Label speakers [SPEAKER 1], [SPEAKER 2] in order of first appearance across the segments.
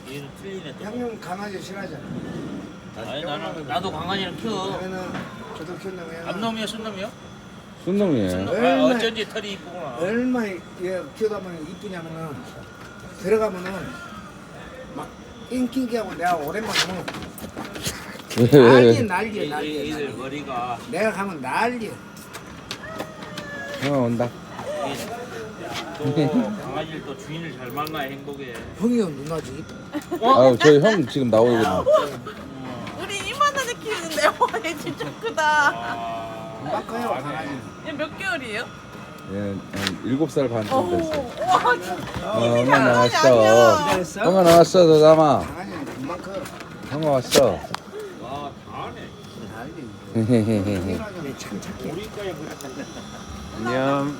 [SPEAKER 1] 얘는 틀리네. 또.
[SPEAKER 2] 형님 강아지 싫어하잖아.
[SPEAKER 1] 아니 나도 강아지를 키워.
[SPEAKER 2] 그러면은 저도 키운다고
[SPEAKER 1] 암놈이야 순놈이야?
[SPEAKER 3] 순놈이에요.
[SPEAKER 1] 아, 어쩐지 털이 이쁘구나.
[SPEAKER 2] 얼마나 얘 키우다 보면 이쁘냐면은 들어가면은 막 낑낑기하고 내가 오랜만에 가면 난리
[SPEAKER 1] 얘들 머리가
[SPEAKER 2] 내가 가면 난리.
[SPEAKER 3] 형아 온다.
[SPEAKER 1] 또 강아지를 또 주인을 잘 만나야 행복해.
[SPEAKER 2] 형이 형 누나지.
[SPEAKER 3] 아유 저희 형 지금 나오거든요.
[SPEAKER 4] 우리 이만하게 키우는데 와얘 진짜 크다.
[SPEAKER 1] 아,
[SPEAKER 2] 금방 커요 강아지.
[SPEAKER 4] 얘 몇 개월이에요?
[SPEAKER 3] 얘는 한 7살 반 정도 됐어요.
[SPEAKER 4] 와 진짜.
[SPEAKER 3] 형아 나왔어.
[SPEAKER 2] 기다렸어?
[SPEAKER 3] 형아 나왔어 너담아.
[SPEAKER 2] 강아지는 금방 커.
[SPEAKER 3] 형아 왔어.
[SPEAKER 1] 와 다하네.
[SPEAKER 2] 난리. 참 착해.
[SPEAKER 1] 우리까지 그랬다.
[SPEAKER 5] 안녕.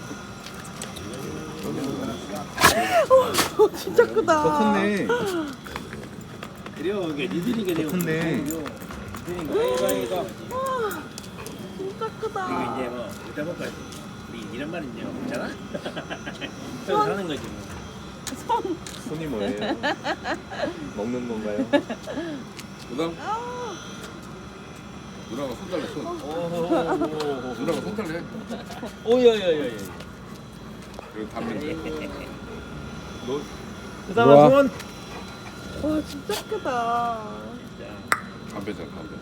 [SPEAKER 4] 진짜 크다.
[SPEAKER 5] 더 컸네.
[SPEAKER 1] 그래요 이게 니들이게 되고.
[SPEAKER 5] 컸네.
[SPEAKER 1] 니들이가 아이가.
[SPEAKER 4] 진짜 크다.
[SPEAKER 1] 이거 이제 뭐 이따 볼까지. 이런 말은 이제 없잖아. 그래서 하는 거지 뭐.
[SPEAKER 5] 손이 뭐예요? 먹는 건가요?
[SPEAKER 3] 누나
[SPEAKER 4] 아,
[SPEAKER 3] 누나가 손 달래 손.
[SPEAKER 1] 오호호호.
[SPEAKER 3] 누나가 손 달래.
[SPEAKER 1] 오야야야야.
[SPEAKER 3] 그리고 담배. 너
[SPEAKER 5] 그다음에 손.
[SPEAKER 4] 와 진짜 크다.
[SPEAKER 3] 담배잖아 담배.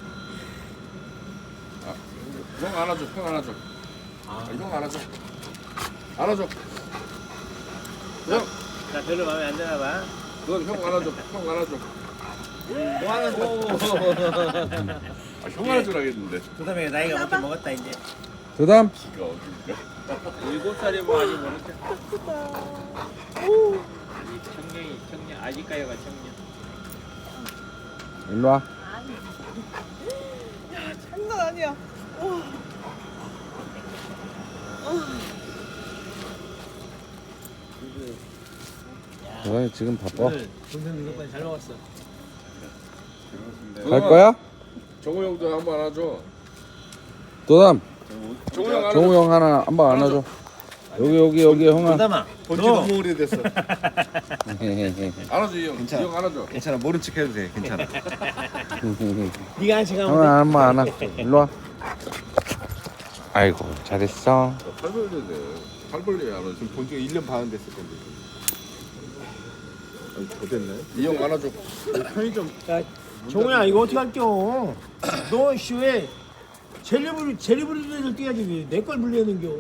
[SPEAKER 3] 아, 형 안아줘 형 안아줘. 형 안아줘. 안아줘. 형.
[SPEAKER 1] 나 별로 마음에 안 드나 봐.
[SPEAKER 3] 넌형 안아줘. 형 안아줘.
[SPEAKER 1] 뭐 하는 거?
[SPEAKER 3] 형 안아주라 했는데.
[SPEAKER 1] 그다음에 나이가 어떻게 먹었다 이제.
[SPEAKER 3] 그다음 기가 어디니까.
[SPEAKER 1] 7살이면 아직 모르겠다.
[SPEAKER 4] 크다. 오.
[SPEAKER 1] 이 청년 아직까지가 청년.
[SPEAKER 3] 일로 와.
[SPEAKER 4] 야 장난 아니야. 와.
[SPEAKER 3] 그다음에 지금 바빠.
[SPEAKER 1] 동생 이것까지 잘 먹었어.
[SPEAKER 3] 갈 거야?
[SPEAKER 6] 정우 형도 한번 안아줘.
[SPEAKER 3] 도담.
[SPEAKER 6] 정우 형 안아줘.
[SPEAKER 3] 정우 형 하나 한번 안아줘. 여기 형아.
[SPEAKER 1] 그다마.
[SPEAKER 5] 본지 너무 오래됐어.
[SPEAKER 6] 안아줘 이 형.
[SPEAKER 5] 괜찮아.
[SPEAKER 6] 이 형 안아줘.
[SPEAKER 5] 괜찮아. 모른 척 해도 돼. 괜찮아.
[SPEAKER 1] 네가 한 시간
[SPEAKER 3] 형아 한번 안아. 일로 와. 아이고 잘했어.
[SPEAKER 6] 팔 벌려야 돼. 팔 벌려야 안아줘.
[SPEAKER 5] 지금 본지가 1년 반 됐을 건데. 아니, 더 됐네.
[SPEAKER 6] 이 형 안아줘.
[SPEAKER 5] 편의점
[SPEAKER 7] 정우야 이거 어떻게 할겨? 너 씨왜 젤리브리를 떼야지 왜 내 걸 불리는겨?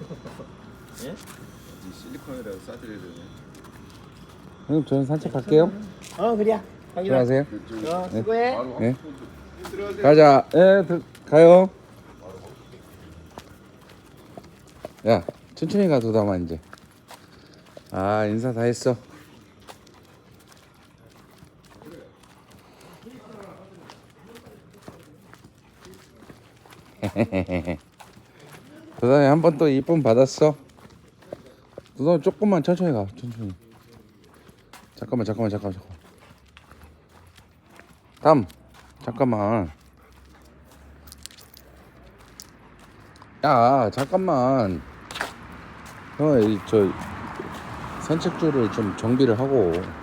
[SPEAKER 5] 실리콘에다가 싸드려야 되네.
[SPEAKER 3] 형님 저는 산책 갈게요.
[SPEAKER 7] 그래.
[SPEAKER 3] 들어가세요.
[SPEAKER 7] 수고해.
[SPEAKER 3] 네. 가자. 가요. 야 천천히 가 도담아 이제. 아 인사 다 했어. 도담이 한 번 또 이쁨 받았어. 도담이 조금만 천천히 가. 천천히. 잠깐만. 잠깐만. 야, 잠깐만. 저 산책줄을 좀 정비를 하고.